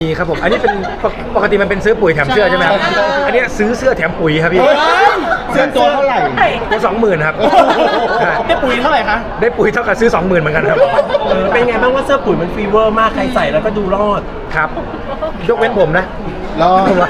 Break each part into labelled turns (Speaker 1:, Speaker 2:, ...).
Speaker 1: มีครับผมอันนี้เป็นปกติมันเป็นซื้อปุ๋ยแถมเสื้อใช่ไหมครับอันนี้ซื้อเสื้อแถมปุ๋ยครับพี่
Speaker 2: เสื้อตัวเท่าไหร่
Speaker 1: ตัว20,000ครับ
Speaker 2: ได้ปุ๋ยเท่าไหร่คะ
Speaker 1: ได้ปุ๋ยเท่ากับซื้อ20,000เหมือนกันครับ
Speaker 3: เป็นไงบ้างว่าเสื้อปุ๋ยมันฟีเวอร์มากใครใส่แล้วก็ดูรอด
Speaker 1: ครับยกเว้นผมนะ
Speaker 2: รอดไหม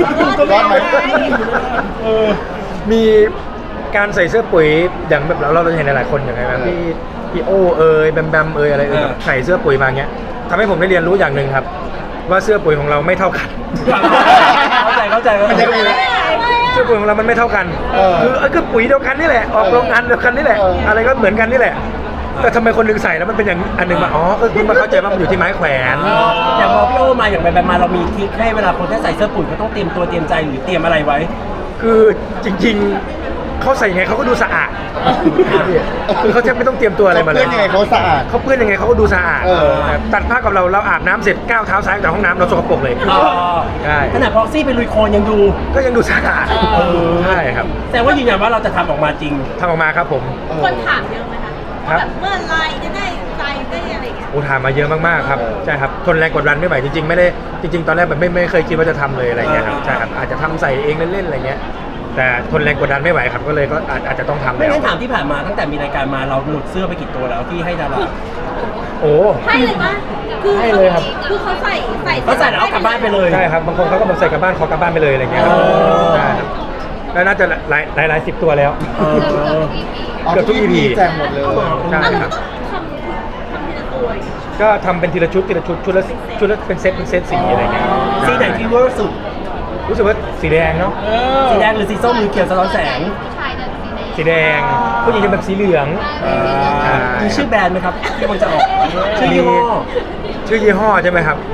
Speaker 1: มีการใส่เสื้อปุ๋ยอย่างแบบเราเห็นหลายๆคนอย่างไรแบบพี่โอแบมอะไรใส่เสื้อปุ๋ยมาเงี้ยทำให้ผมได้เรียนรู้อย่างหนึ่งครับว่าเสื้อปุ๋ยของเราไม่เท่ากัน
Speaker 3: เข้าใจ
Speaker 1: เสื้อปุ๋ยของเรามันไม่เท่ากันคือปุ๋ยเดียวกันนี่แหละออกโรงงานเดียวกันนี่แหละอะไรก็เหมือนกันนี่แหละแต่ทำไมคนหนึ่งใส่แล้วมันเป็นอย่างอันหนึ่งมาก็คือมาเข้าใจว่ามันอยู่ที่ไม้แขวน
Speaker 3: อย่างพอพี่โอมาอย่างแบบมาเรามีทริคให้เวลาคนที่ใส่เสื้อปุ๋ยเขาต้องเตรียมตัวเตรียมใจหรือเตรียมอะไรไว้
Speaker 1: คือจริงๆเขาใส่ยังไงเขาก็ดูสะอาดคือเขาแทบไม่ต้องเตรียมตัวอะไรมาเลย
Speaker 2: เขาเปื้อนยังไงเขาสะอาด
Speaker 1: เขาเปื้อนยังไงเขาก็ดูสะอาดตัดผ้ากับเราอาบน้ำเสร็จก้าวเท้าซ้ายจากห้องน้ำเราสกปรกเลยใช่
Speaker 3: ขนาดพ็อกซี่ไปลุยโคลนยังดู
Speaker 1: ก็ยังดูสะอาดใช่ครับ
Speaker 3: แต่ว่ายืนยันว่าเราจะทำออกมาจริง
Speaker 1: ทำออกมาครับผม
Speaker 4: คนถามเยอะไหมคะว่าแบบเมื่อไรจะได้ใจได้อะไรอย่างเงี้ย
Speaker 1: ถามมาเยอะมากๆครับใช่ครับทนแรงกดดันไม่ไหวจริงๆไม่ได้จริงๆตอนแรกแบบไม่เคยคิดว่าจะทำเลยอะไรเงี้ยครับใช่ครับอาจจะทำใส่เองเล่นๆอะไรเงี้ยแต่ทนแรงกดดันไม่ไหวครับก็เลยก็อาจจะต้องทำ
Speaker 3: ไม่งั้นถามที่ผ่านมาตั้งแต่มีรายการมาเราหลุดเสื้อไปกี่ตัวแล้วที่ให้ดารา
Speaker 4: ให้เลยปะ
Speaker 1: ให้เลยครับ
Speaker 4: คือเขาใส่
Speaker 3: แล้วเอากลับบ้านไปเลย
Speaker 1: ใช่ครับบางคนเขาก็แบบใส่กลับบ้านขอกลับบ้านไปเลยอะไรเงี้ยใช่แล้วน่าจะหลาย10ตัวแล้วเกือบทุก EP
Speaker 2: แจงหมดเลย
Speaker 1: ใช่ครับก็ทำเป็นทีละชุดชุดละเป็นเซตสีอะไรเงี้ย
Speaker 3: สีไหนฟีเวอร์สุด
Speaker 1: รู้สึกว่าสีแดงเนาะ
Speaker 3: สีแดงหรือสีส้มหรือเขียวสะท้อนแสง
Speaker 1: สีแดงผู้หญิงจะแบบสีเหลือง
Speaker 3: มีชื่อแบรนด์ไหมครับที่มันจะออกชื่อยี่
Speaker 1: ห้อใช่ไหมครับ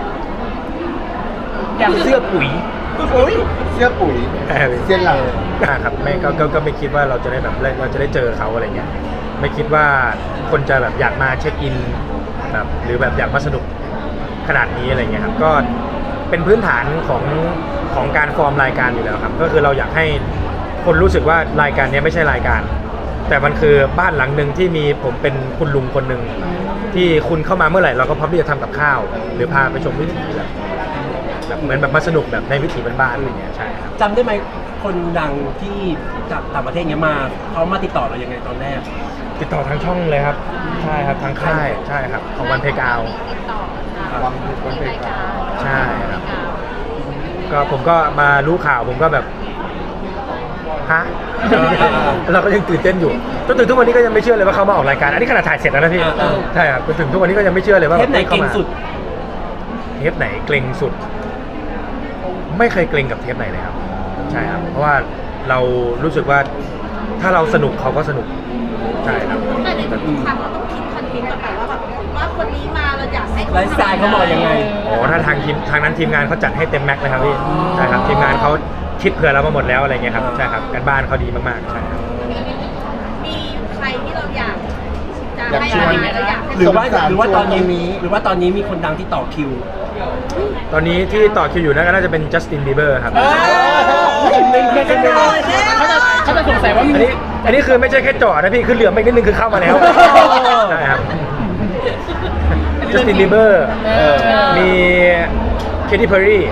Speaker 1: อย่างเสื้อปุ๋ย
Speaker 2: เสื้อปุ๋ยเสื้อหลัง
Speaker 1: ครับไม่ก็ไม่คิดว่าเราจะได้แบบเราจะได้เจอเขาอะไรเงี้ยไม่คิดว่าคนจะแบบอยากมาเช็คอินแบบหรือแบบอยากมาสนุกขนาดนี้อะไรเงี้ยครับก็เป็นพื้นฐานของการฟอร์มรายการอยู่แล้วครับก็คือเราอยากให้คนรู้สึกว่ารายการนี้ไม่ใช่รายการแต่มันคือบ้านหลังหนึ่งที่มีผมเป็นคุณลุงคนหนึ่งที่คุณเข้ามาเมื่อไหร่เราก็พร้อมที่จะทำกับข้าวหรือพาไปชมวิถีแบบเหมือนแบบมาสนุกแบบในวิถีบ้านๆอะไรเงี้ยใช่ครับ
Speaker 3: จำได้ไหมคนดังที่จากต่างประเทศเนี้ยมาเขามาติดต่อเรายังไงตอนแรก
Speaker 1: ติดต่อทางช่องเลยครับใช่ครับทางค่ายใช่ครับของวันเพกาว
Speaker 2: วันเพกาว
Speaker 1: ใช่ครับก็ผมก็มารู้ข่าวผมก็แบบฮะเราก็ยังตื่นเต้นอยู่จนถึงทุกวันนี้ก็ยังไม่เชื่อเลยว่าเขามาออกรายการอันนี้ขนาดถ่ายเสร็จแล้วนะพี่ใช่ครับจนถึงทุกวันนี้ก็ยังไม่เชื่อเลยว่า
Speaker 3: เทปไหนเกรงสุด
Speaker 1: เทปไหนเกรงสุดไม่เคยเกรงกับเทปไหนเลยครับใช่ครับเพราะว่าเรารู้สึกว่าถ้าเราสนุกเขาก็สนุกใช่ครับ
Speaker 4: แต่ในทุกครั้งเราต้องคิดคอนเทนต์แบบว่าแบบว่าคนนี้มาเราอยากให้
Speaker 3: ไลฟ์สไตล์เขาบอกยังไง
Speaker 1: ถ้าทางนั้นทีมงานเขาจัดให้เต็มแม็กซ์เลยครับพี่ใช่ครับทีมงานเขาคิดเผื่อเรามาหมดแล้วอะไรเงี้ยครับใช่ครับการบ้านเขาดีมากๆใช่ครับ
Speaker 4: มีใครที่เราอยากจะให้มาเราอยาก
Speaker 3: หรือว่าตอนนี้มีคนดังที่ต่อคิว
Speaker 1: ตอนนี้ที่ต่อคิวอยู่น่าจะเป็นจัสตินบีเบอร์ครับ
Speaker 3: เขาจะสงสัยว่า
Speaker 1: อันนี้คือไม่ใช่แค่จอดนะพี่คือเหลือไม่นิดนึงคือเข้ามาแล้วใช่ครับจัสตินบีเบอร์มีเคที่เพอร์รี่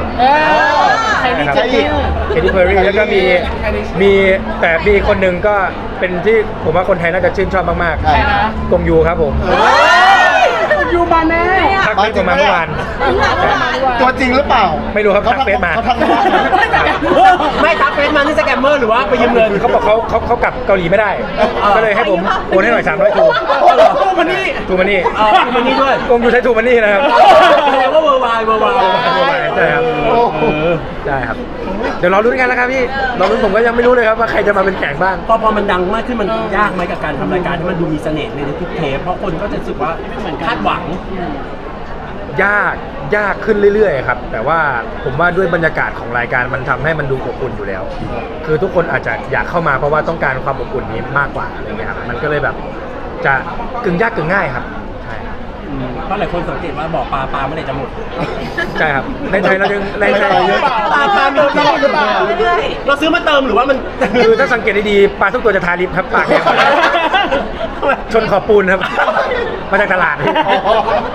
Speaker 1: เคที่เพอร์รี่แล้วก็มีแต่มีคนหนึ่งก็เป็นที่ผมว่าคนไทยน่าจะชื่นชอบมากๆกงยูครับผม
Speaker 3: ยูมาแน่
Speaker 1: ทักเฟซมาเมื่อวาน
Speaker 2: ตัวจริงหรือเปล่า
Speaker 1: ไม่รู้ครับทักเฟซมา
Speaker 3: ไม่ทักเฟซมานี่สแกมเมอร์หรือว่าไปยืมเงิน
Speaker 1: เขาบอกเขากลับเกาหลีไม่ได้ก็เลยให้ผมโอนให้หน่อย300
Speaker 3: ทูมันนี่ด้วย
Speaker 1: กงยูใช้ทูมันนี่นะครับ
Speaker 3: แสดงว่าเวอร์ไว
Speaker 1: ใช่ครับใช่ครับเดี๋ยวรอรุ้นกันแล้วครับพี่รอรุ้นผมก็ยังไม่รู้เลยครับว่าใครจะมาเป็นแขกบ้าง
Speaker 3: พอมันดังมากขึ้นมันยากไหมกับการทำรายการที่มันดูมีเสน่ห์ในทุกเทปเพราะคนก็จะรู้สึกว่าคาดหวัง
Speaker 1: ยากขึ้นเรื่อยๆครับแต่ว่าผมว่าด้วยบรรยากาศของรายการมันทำให้มันดูอบอุ่นอยู่แล้วคือทุกคนอาจจะอยากเข้ามาเพราะว่าต้องการความอบอุ่นนี้มากกว่าอะไรเงี้ยครับมันก็เลยแบบจะกึ่งยากกึ่งง่ายครับใช่ครับ
Speaker 3: เพราะหลายคนสังเกตว่าบ่อปลาเมื่อไหร่จะหมด
Speaker 1: ใช่ครับในไทยเรายังในไทย
Speaker 3: ปลามีตลอดหรือเปล่าเราซื้อมาเติมหรือว่ามัน
Speaker 1: คือถ้าสังเกตดีๆปลาทุกตัวจะทาลิปครับปากแดงชนขอบปูนครับมาจากตลาด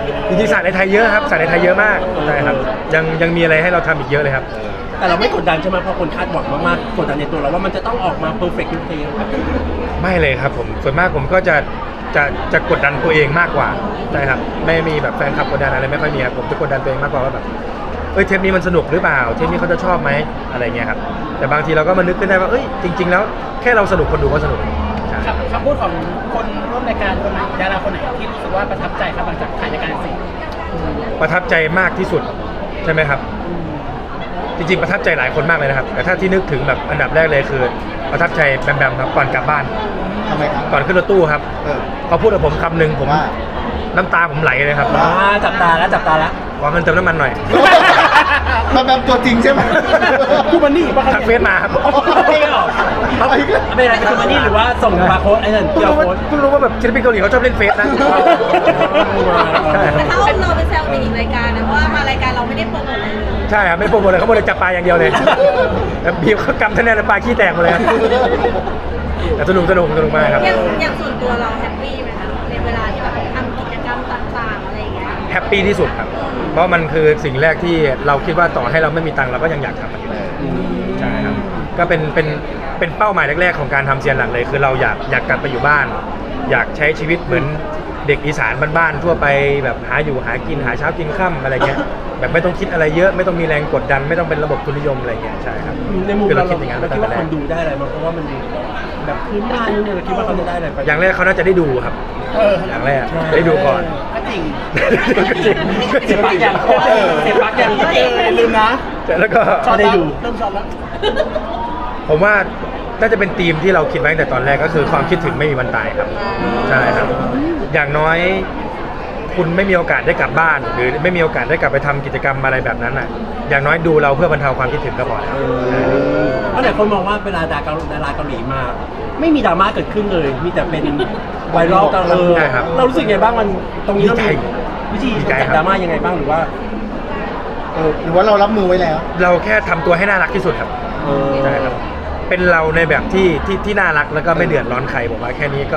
Speaker 1: จริงๆศาสตร์ในไทยเยอะครับศาสตร์ในไทยเยอะมากใช่ครับยังมีอะไรให้เราทำอีกเยอะเลยครับ
Speaker 3: แต่เราไม่กดดันใช่ไหมเพราะคนคาดหวังมากๆกดดันในตัวเราว่ามันจะต้องออกมาเพอร์เฟกต์ทุกเพลง
Speaker 1: ไม่เลยครับผมส่วนมากผมก็จะกดดันตัวเองมากกว่าใช่ครับไม่มีแบบแฟนคลับกดดันอะไรไม่ค่อยมีครับผมจะกดดันตัวเองมากกว่าว่าแบบเทปนี้มันสนุกหรือเปล่าเทปนี้เขาจะชอบไหมอะไรเงี้ยครับแต่บางทีเราก็มานึกขึ้นได้ว่าจริง ๆ แล้วแค่เราสนุกคนดูก็สนุกใช่
Speaker 5: คำพูดของคนร่วมรายการคนไหนดาราคนไหนที่รู้สึกว่าประทับใจครับหลังจากถ่ายรายการเสร็จ
Speaker 1: ประทับใจมากที่สุดใช่ไหมครับจริงๆประทับใจหลายคนมากเลยนะครับแต่ถ้าที่นึกถึงแบบอันดับแรกเลยคือประทับใจแบมครับก่อนกลับบ้าน
Speaker 2: ทำไมครับ
Speaker 1: ก่อนขึ้นรถตู้ครับ เขาพูดกับผมคำหนึ่งผม
Speaker 2: ว่า
Speaker 1: น้ำตาผมไหลเลยครับ
Speaker 3: จับตาแล้ว
Speaker 1: ขอเงินเติมน้ำมันหน่อย
Speaker 2: แบบตัวจริงใช่ไหม
Speaker 3: คือมันนี่ป่ะครับ
Speaker 1: ทักเฟซมาครับ
Speaker 3: ไม่หรอไม่อะไรคือมันนี่หรือว่าส่งบาร์โค้ดไอ้นั่น
Speaker 1: เพิ่ง
Speaker 3: เกี่ยว
Speaker 1: รู้ว่า
Speaker 3: โค้ด
Speaker 1: เพิ่งรู้ว่าแบบศิลปินเกาหลีเขาชอบเล่นเฟซนะใช่ครับ
Speaker 4: แต่ถ้าเราไปแซวในอีกรายการนะเพราะว่ามารายการเราไม่ได้โปรโมทอะไรเลย
Speaker 1: ใช่ครับไม่โปรโมทเลยเขาโมเลยจับปลาอย่างเดียวเลยแล้วบีบเขากำคะแนนแล้วปลาขี้แตกหมดเลยครับแต่สนุกมากครับ
Speaker 4: อย่างส่วนตัวเราแฮปปี้ไหมคะในเวลาที่แบบทำกิจกรรมต่างๆอะไรอย่างเงี้ย
Speaker 1: แฮปปี้ที่สุดครับ เพราะมันคือสิ่งแรกที่เราคิดว่าต่อให้เราไม่มีตังค์เราก็ยังอยากทำมันอยู่ใช่ครับก็เป็นเป้าหมายแรกๆของการทำเซียนหลังเลยคือเราอยากกลับไปอยู่บ้าน อยากใช้ชีวิตเหมือนเด็กอีสานบ้านๆทั่วไปแบบหาอยู่หากินหาเช้ากินค่ำอะไรเงี้ยแบบไม่ต้องคิดอะไรเยอะไม่ต้องมีแรงกดดัน ไม่ต้องเป็นระบบทุนนิยมอะไรเงี้ยใช่ครับ
Speaker 3: ในมุม
Speaker 1: คือ
Speaker 3: เรา
Speaker 1: คิดอย่างนั้น
Speaker 3: เรา
Speaker 1: ตั้
Speaker 3: คิด
Speaker 1: ง
Speaker 3: ว่า
Speaker 1: แต่แร
Speaker 3: ค
Speaker 1: ก
Speaker 3: นดูได้อะไรมั้งเพราะว่ามันแบบพื้นบ้านนี่เราคิดว่าเขาจะได้อะไรไป
Speaker 1: อย่างแรกเขาน่าจะได้ดูครับอย่างแรกได้ดูก่อน
Speaker 5: ก็จริง
Speaker 3: เสียบปลั๊กอย่างเสียบปลั๊กอย่าง
Speaker 5: ลืมนะ
Speaker 1: แล้วก็
Speaker 3: ชอบได้ดู
Speaker 5: เริ่มชอบแล้ว
Speaker 1: ผมว่าน่าจะเป็นธีมที่เราคิดไว้ตั้งแต่ตอนแรกก็คือความคิดถึงไม่มีวันตายครับใช่ครับอย่างน้อยคุณไม่มีโอกาสได้กลับบ้าน หรือไม่มีโอกาสได้กลับไปทำกิจกรรมอะไรแบบนั้นอ่ะอย่างน้อยดูเราเพื่อบรรเทาความคิดถึงก็พอแล้ว
Speaker 3: เพราะหลายคนมองว่าเวลาดาราเกาหลีมา ไม่มีดราม่าเกิดขึ้นเลย มีแต่เป็นไวรัลตลอด
Speaker 1: ใช่ครับ
Speaker 3: เรารู้สึกไงบ้างมันตรงนี้เรามีวิธี
Speaker 1: ดีใจ
Speaker 3: จัด
Speaker 1: ครับ
Speaker 3: ดราม่ายังไงบ้างหรือว่า
Speaker 2: หรือว่าเรารับมือไว้แล้ว
Speaker 1: เราแค่ทำตัวให้น่ารักที่สุดครับใช่ครับเป็นเราในแบบที่น่ารักแล้วก็ไม่เดือดร้อนใครผมว่าแค่นี้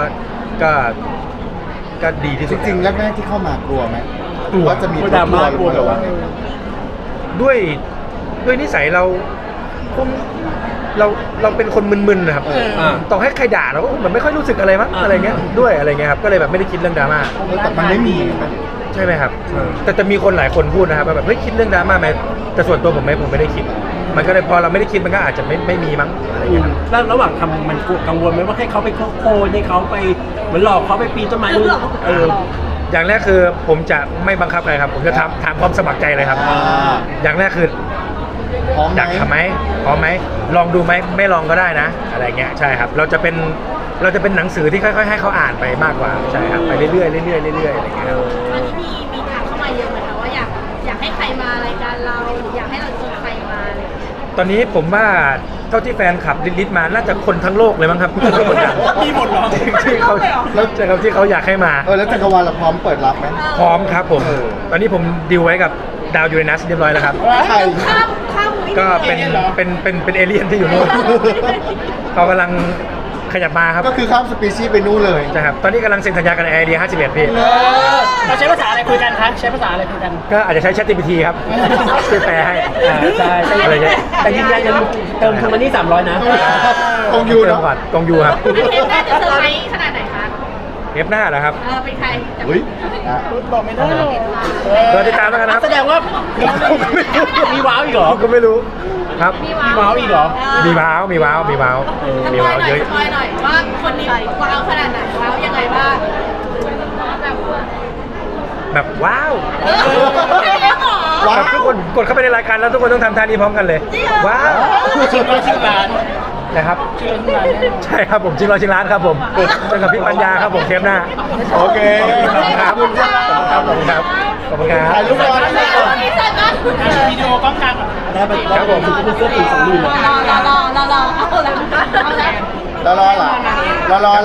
Speaker 1: ก็ดีที่
Speaker 2: จ
Speaker 1: สุด
Speaker 2: ริงๆแรกๆที่เข้ามากลัวไหม
Speaker 1: กลัว
Speaker 2: ว่าจะมี
Speaker 3: ดราม่ากลัว
Speaker 2: หรือว่า
Speaker 1: ด้วยนิสัยเราคงเราเป็นคนมึนๆนะครับต่อให้ใครด่าเราก็เหมือนไม่ค่อยรู้สึกอะไรมั้งอะไรเงี้ยด้วยอะไรเงี้ยครับก็เลยแบบไม่ได้คิดเรื่องดราม่า
Speaker 2: แต่มันไม่มี
Speaker 1: ใช่ไหมครับแต่จะมีคนหลายคนพูดนะครับว่าแบบเฮ้ยคิดเรื่องดราม่าไหมแต่ส่วนตัวผมไม่ได้คิด มันก็เลยพอเราไม่ได้คิดมันก็อาจจะไม่มีมั้งอะไรเงี้ยครับ
Speaker 3: แล้วระหว่างทำมันกังวลไหมว่าให้เขาไปโคยให้เขาไปเหมือนหลอกเขาไปปีนต้นไม้นู่น
Speaker 1: อย่างแรกคือผมจะไม่บังคับใครครับ ผมจะถามความสมัครใจเลยครับ อย่างแรกคือ
Speaker 2: พร้อมไหม
Speaker 1: อยากทำไหมพร้อมไหมลองดูไหมไม่ลองก็ได้นะ อะไรเงี้ยใช่ครับเราจะเป็นหนังสือที่ค่อยๆให้เขาอ่านไปมากกว่าใช่ครับไปเรื่อยๆเรื่อยๆเรื่อยๆอะไรเงี้ยครับ
Speaker 4: ตอนนี้มีถามเข้ามาเยอะไหมคะว่าอยากให้ใครมารายการเราหรืออยากให้เราเจอใครมาอะไรอย่างเงี้ย
Speaker 1: ตอนนี้ผมว่าเท่าที่แฟนคลับลิสต์มาน่าจะคนทั้งโลกเลยมั้งครับ
Speaker 5: มีหมดเหรอ
Speaker 1: ที่เขาแล้วใช่ครับที่เขาอยากให้มา
Speaker 2: แล้วจักรวาลเราพร้อมเปิดรับไหม
Speaker 1: พร้อมครับผม ตอนนี้ผมดีลไว้กับดาวยูเรนัสเรียบร้อยแล้วครับ
Speaker 2: ใคร
Speaker 4: ข้ามวิ
Speaker 1: ก็เป็นเอเลี่ยนที่อยู่นู่นเขากำลังขยับมาครับ
Speaker 2: ก็คือข้ามสปีชีส์ไปนู่นเลย
Speaker 1: ใช่ครับตอนนี้กำลังเซ็นสัญญากันไอเดีย51พี่
Speaker 5: เราใช้ภาษาอะไรคุยกันคะใช้ภาษาอะไรคุยกัน
Speaker 1: ก็อาจจะใช้ ChatGPT ครับช่วยแปลให้
Speaker 3: ใช่
Speaker 1: อะไรเงี้ย
Speaker 3: แต่ยืนยันยังเติมทุนมานี่300นะ
Speaker 2: กองยู
Speaker 1: เติ
Speaker 2: เนาะ
Speaker 1: มก่อนกองยูครับ
Speaker 4: อันเทปน่าจะเซอร์ไพรส์ขนาดไหนคะ
Speaker 1: เทปหน้านะครับ
Speaker 4: เป็นใคร
Speaker 2: เฮ้ยอ่ะ
Speaker 5: บอกไม่ได้หรอก
Speaker 1: รอติดตามแล้วกันนะครับ
Speaker 3: แสดงว่ามีว้าวอีกเหรอ
Speaker 1: ผมก็ไม่รู้ครับ
Speaker 4: มี
Speaker 3: ว้าวอีกเหรอ
Speaker 1: มีว้าวมีว้าวมีว้าวมีว้าวเยอะ
Speaker 4: สปอยหน่อยว่าคนนี้ว้าวขนาดไหนว้าวยังไงบ้างแบบว่า
Speaker 1: แบบว้าว
Speaker 2: ว้าว
Speaker 1: แบบทุกคนกดเข้าไปในรายการแล้วทุกคนต้องทำท่านี้พร้อมกันเลย ว้าว
Speaker 5: ชื่อร้าน
Speaker 1: นะครับ
Speaker 5: ชื่อร้านแน่นอน
Speaker 1: ใช่ครับผมชิงร้อยชิงล้านครับผมเจอกับพี่ปัญญาครับผมเทปหน้า
Speaker 2: โอเค
Speaker 1: ครับผมครับผมครับขอบคุณครับ
Speaker 2: ถ่ายรูปก่อน
Speaker 4: นี่เสร็จแล้ว
Speaker 5: วิดีโอกล้องกลางก่อน
Speaker 3: ได้ไปครับผมเป็นเสื้อปีก2 มือ
Speaker 4: รอเอาแล้ว
Speaker 2: รอเหรอรอ